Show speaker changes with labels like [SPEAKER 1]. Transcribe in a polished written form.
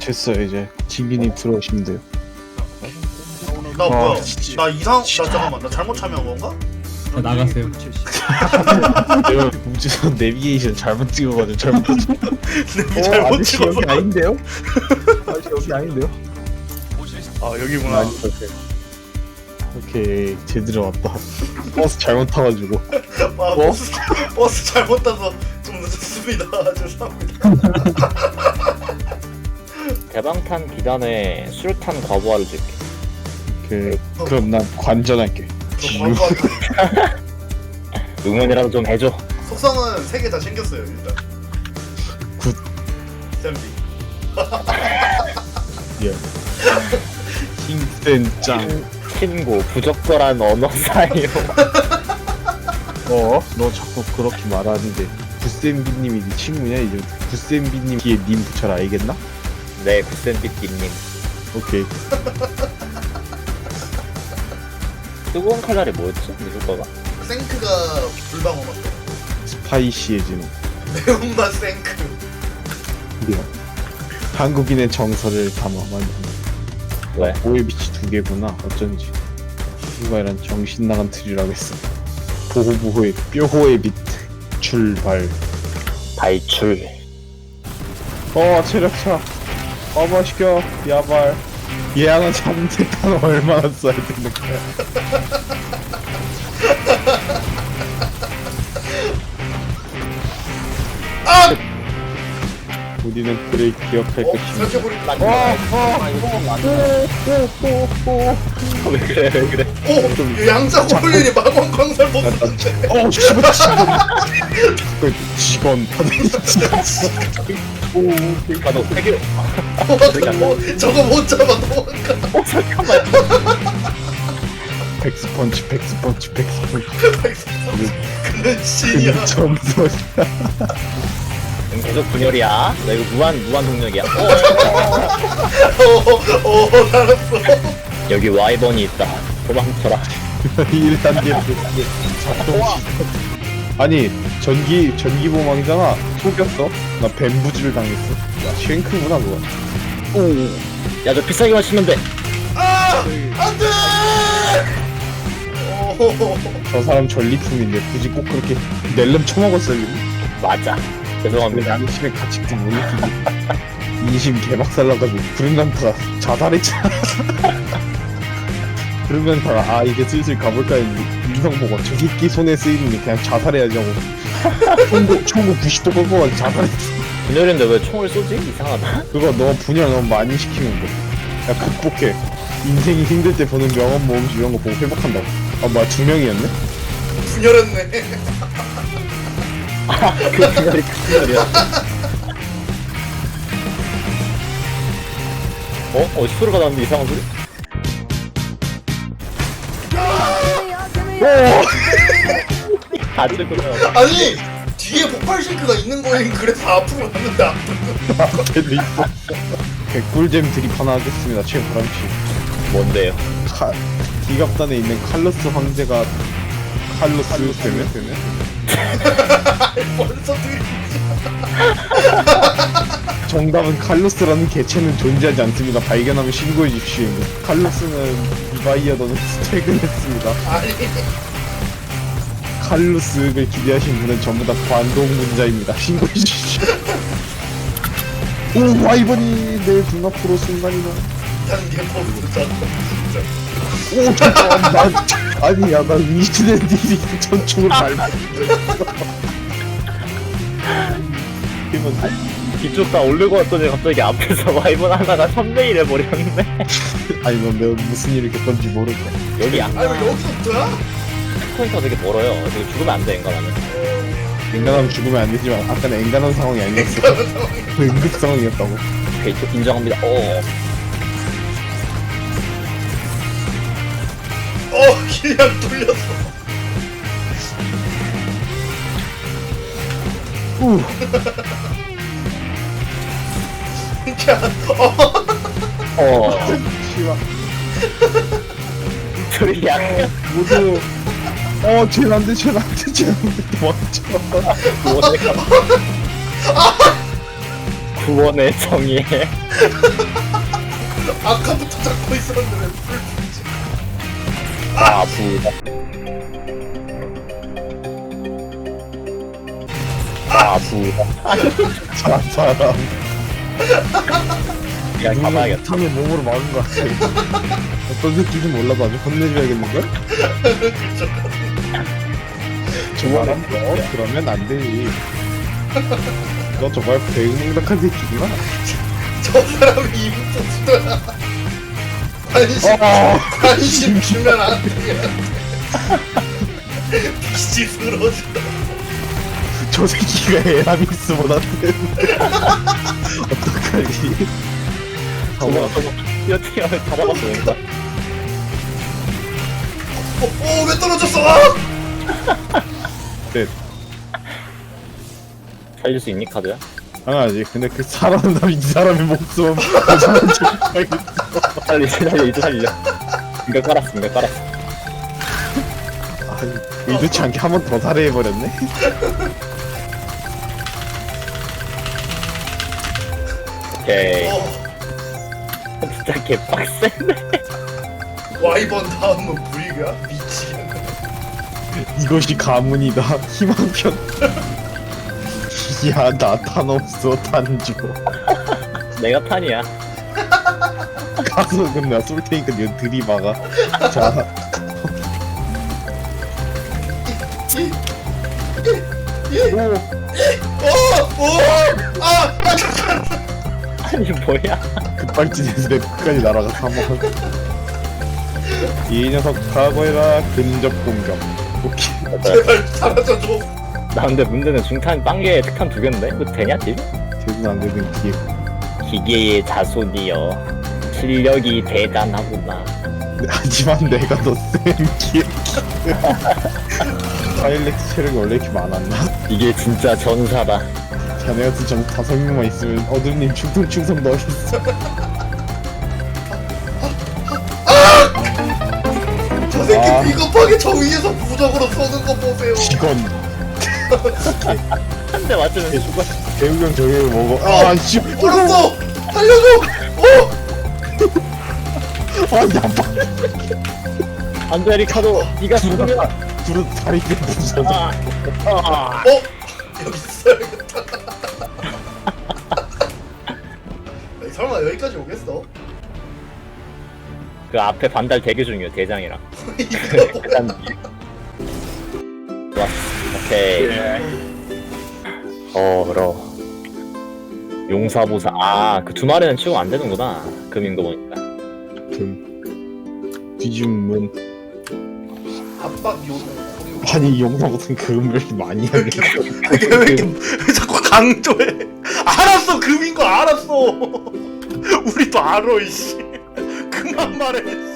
[SPEAKER 1] 됐어요. 이제 진기님 들어오시면 돼요.
[SPEAKER 2] 나 뭐야?
[SPEAKER 1] 진짜.
[SPEAKER 2] 나 잠깐만, 나 잘못 참여한 건가?
[SPEAKER 3] 나가세요.
[SPEAKER 1] 내가 우주선 내비게이션 잘못 찍어가지고 잘못.
[SPEAKER 2] 잘못
[SPEAKER 1] 아저씨
[SPEAKER 2] 찍어서.
[SPEAKER 1] 여기 아닌데요? 아저씨 여기 아닌데요?
[SPEAKER 2] 아 여기구나.
[SPEAKER 1] 아니, 오케이 제대로 왔다. 버스 잘못 타가지고.
[SPEAKER 2] 아 버스 잘못 타서 좀 늦었습니다. 죄송합니다.
[SPEAKER 4] 대방탄 비단에 술탄 과부하를 줄게.
[SPEAKER 1] 오케이 그럼 난 관전할게.
[SPEAKER 2] 저 광고하기.
[SPEAKER 4] 응원이라도 좀 해줘.
[SPEAKER 2] 속성은 3개 다 챙겼어요 일단.
[SPEAKER 1] 굿.
[SPEAKER 2] 쌤비.
[SPEAKER 1] 예. 힘센 짱.
[SPEAKER 4] 친구 부적절한 언어 사용.
[SPEAKER 1] 너 자꾸 그렇게 말하는데 구쌤비님이 네 친구냐 이제? 구쌤비님 뒤에 님 붙여라 알겠나?
[SPEAKER 4] 네, 구센비띠님.
[SPEAKER 1] 오케이.
[SPEAKER 4] 뜨거운 칼날이 뭐였지? 미술과가?
[SPEAKER 2] 생크가 불방어 맛.
[SPEAKER 1] 스파이시해지는.
[SPEAKER 2] 매운맛 생크.
[SPEAKER 1] 미안. 한국인의 정서를 담아 만든.
[SPEAKER 4] 왜?
[SPEAKER 1] 보헤비치 2개구나. 어쩐지. 누가 이런 정신 나간 틀이라고 했어. 보호보호의 뾰호의 빛 출발.
[SPEAKER 4] 발출.
[SPEAKER 1] 체력차. 어머시켜 야발. 얘하나 잡는 데는 얼마나 써야 되는 거야? 우리는 그를 기억할 것입니다.
[SPEAKER 2] 생크버립니다.
[SPEAKER 4] 왜 그래, 왜 그래.
[SPEAKER 2] 오! 양자고 홀리니 마광 광살 벗었는데.
[SPEAKER 1] 씨발 그 직원
[SPEAKER 4] 아, 너 세계.
[SPEAKER 2] 저거 못 잡아 도망가.
[SPEAKER 4] 잠깐만.
[SPEAKER 1] 백스펀치
[SPEAKER 2] 근데 신이야.
[SPEAKER 1] 점수
[SPEAKER 4] 계속 분열이야. 너 이거 무한 동력이야.
[SPEAKER 2] 알았어.
[SPEAKER 4] 여기 와이번이 있다. 도망쳐라.
[SPEAKER 1] 1단계 작동 아니 전기 보망이잖아. 속였어. 나 뱀부질 당했어. 야 쉔크구나 그거.
[SPEAKER 4] 야, 저 비싸게 마시면 돼.
[SPEAKER 2] 안 돼!
[SPEAKER 1] 저 사람 전리품인데 굳이 꼭 그렇게 낼름 처먹었어요.
[SPEAKER 4] 맞아. 죄송합니다.
[SPEAKER 1] 양심의 가치도 못 느끼고 인심 개박살나가지고 브랜난타가 자살했잖아. 브랜난타가 이제 슬슬 가볼까 했는데 인성 보고 저 새끼 손에 쓰이는 게 그냥 자살해야지 하고 총구 90도 꺾어가지고 자살했어.
[SPEAKER 4] 분열인데 왜 총을 쏘지? 이상하다.
[SPEAKER 1] 그거 너 분열 너무 많이 시키는 거. 야 극복해. 인생이 힘들 때 보는 명언 모음집 이런 거 보고 회복한다고. 뭐야 2명이었네?
[SPEAKER 2] 분열했네.
[SPEAKER 4] 그 분열이 그 분열이야. 어디서 소리가 나는데 이상한 소리? 아주 그래요.
[SPEAKER 2] 아니 뒤에 폭발 싱크가 있는 거인 그래서 앞으로 갔는데 앞으로.
[SPEAKER 1] 걔도 있어. 개꿀잼 드립 하나 하겠습니다. 최보람씨.
[SPEAKER 4] 뭔데요?
[SPEAKER 1] 기갑단에 있는 칼로스 황제가 칼로스 되면?
[SPEAKER 2] 벌써 들.
[SPEAKER 1] 정답은 칼로스라는 개체는 존재하지 않습니다. 발견하면 신고해 주십시오. 칼로스는 리바이어던은 퇴근했습니다.
[SPEAKER 2] 아니
[SPEAKER 1] 칼로스를 기대하신 분은 전부 다 관동문자입니다. 신고해 주십시오. 오 와이번이 내 눈앞으로 순간이동.
[SPEAKER 2] 단계 포스 잡고 진짜.
[SPEAKER 1] 오 잠깐만 난 아니야 나 위시된 일이 전총을 밟았어.
[SPEAKER 4] 뒤쪽 다 올리고 왔더니 갑자기 앞에서 와이번 하나가 선배일 해버렸네.
[SPEAKER 1] 아니 넌 내가 무슨 일을 겪었는지 모르겠어.
[SPEAKER 4] 여기
[SPEAKER 2] 아니 왜 여기서부터야?
[SPEAKER 4] 포인트가 되게 멀어요. 되게 죽으면 안 돼, 인간하면.
[SPEAKER 1] 인간하면 죽으면 안 되지만 아까는 앵간한 상황이 아니었어. 응급 상황이었다고.
[SPEAKER 4] 오케이, 인정합니다.
[SPEAKER 2] 그냥 뚫렸어.
[SPEAKER 1] 우. 씨발.
[SPEAKER 4] 둘이 약간
[SPEAKER 1] 모두 쟤는 안 돼, 쟤는 안 돼, 쟤는 안 돼. 도망쳐.
[SPEAKER 4] 뭐네가 구원의 정의에
[SPEAKER 2] 아까부터 잡고 있었는데 왜 불을 붙이지?
[SPEAKER 4] 아부다. 아부다.
[SPEAKER 1] 저 사람
[SPEAKER 4] 그냥 가봐야겠다.
[SPEAKER 1] 탐을 몸으로 막은 것 같아. 어떤 새끼인지 몰라도 아주 혼내줘야겠는걸? 저거는 그러면 안 되지. 너 정말 배은망덕한 새끼구나.
[SPEAKER 2] 저 사람이 이분부터 관심 주면 안 돼. 빛이 들어져.
[SPEAKER 1] 저 새끼가 에라미스보다 센데. 어떡하지?
[SPEAKER 4] 어떻게 하면 잡아봤어 뭔가.
[SPEAKER 2] 왜 떨어졌어?
[SPEAKER 1] 네,
[SPEAKER 4] 살릴 수 있니 카드야?
[SPEAKER 1] 당연하지. 근데 그 사람 이 사람의 목숨
[SPEAKER 4] 살려 이제 살려. 이거 깔았어 이거 깔았어.
[SPEAKER 1] 아니 의도치 않게 한 번 더 살해해버렸네.
[SPEAKER 4] 오케이. 진짜 개빡센데.
[SPEAKER 2] 와이번 다음은 불이야? 미치겠네.
[SPEAKER 1] 이것이 가문이다. 희망편. 야, 나 탄 없어. 탄 줘.
[SPEAKER 4] 내가 탄이야.
[SPEAKER 1] 가서 그럼 내가 쏠 테니까 니가 들이박아. 자,
[SPEAKER 4] 아니 뭐야?
[SPEAKER 1] 급발진해서 내 끝까지 날아가 사망. 이 녀석 각오해라. 근접 공격. 오케이.
[SPEAKER 2] 제발 사라져줘.
[SPEAKER 4] 나 근데 문제는 중탄 빵개에 특탄 2개인데? 이거 되냐 지금?
[SPEAKER 1] 되든 안 되든 기회.
[SPEAKER 4] 기계의 자손이여 실력이 대단하구나.
[SPEAKER 1] 하지만 내가 더센 기회. 파일렉스 체력이 원래 이렇게 많았나?
[SPEAKER 4] 이게 진짜 전사다.
[SPEAKER 1] 자네 같은 점 5명만 있으면 어둠님 충성 넣어있어.
[SPEAKER 2] 저 새끼
[SPEAKER 1] 아.
[SPEAKER 2] 비겁하게 저 위에서 부적으로 쏘는 거 보세요.
[SPEAKER 1] 직원.
[SPEAKER 4] 한 대 맞으면 죽어.
[SPEAKER 1] 배우경 저기 먹어. 아, 씨.
[SPEAKER 2] 얼었어. 살려줘.
[SPEAKER 1] 아, 나빠.
[SPEAKER 4] 안돼 리카도 네가 죽으면
[SPEAKER 1] 둘은 다리 때 부서져.
[SPEAKER 2] 여기 있어야겠다. 아니, 설마 여기까지 오겠어?
[SPEAKER 4] 그 앞에 반달 대기 중이요 대장이랑.
[SPEAKER 2] 이거
[SPEAKER 4] 일단 좋았어. 오케이. 그럼 용사보사. 그 두 마리는 치고 안 되는구나. 금인 거 보니까.
[SPEAKER 1] 뒤집으면
[SPEAKER 2] 압박 용.
[SPEAKER 1] 아니 용사 무슨 금을 이렇게 많이 하게.
[SPEAKER 2] 그게 왜 이렇게 왜 자꾸 강조해? 알았어 금인 거 알았어. 우리도 알아 이씨. 그만 말해.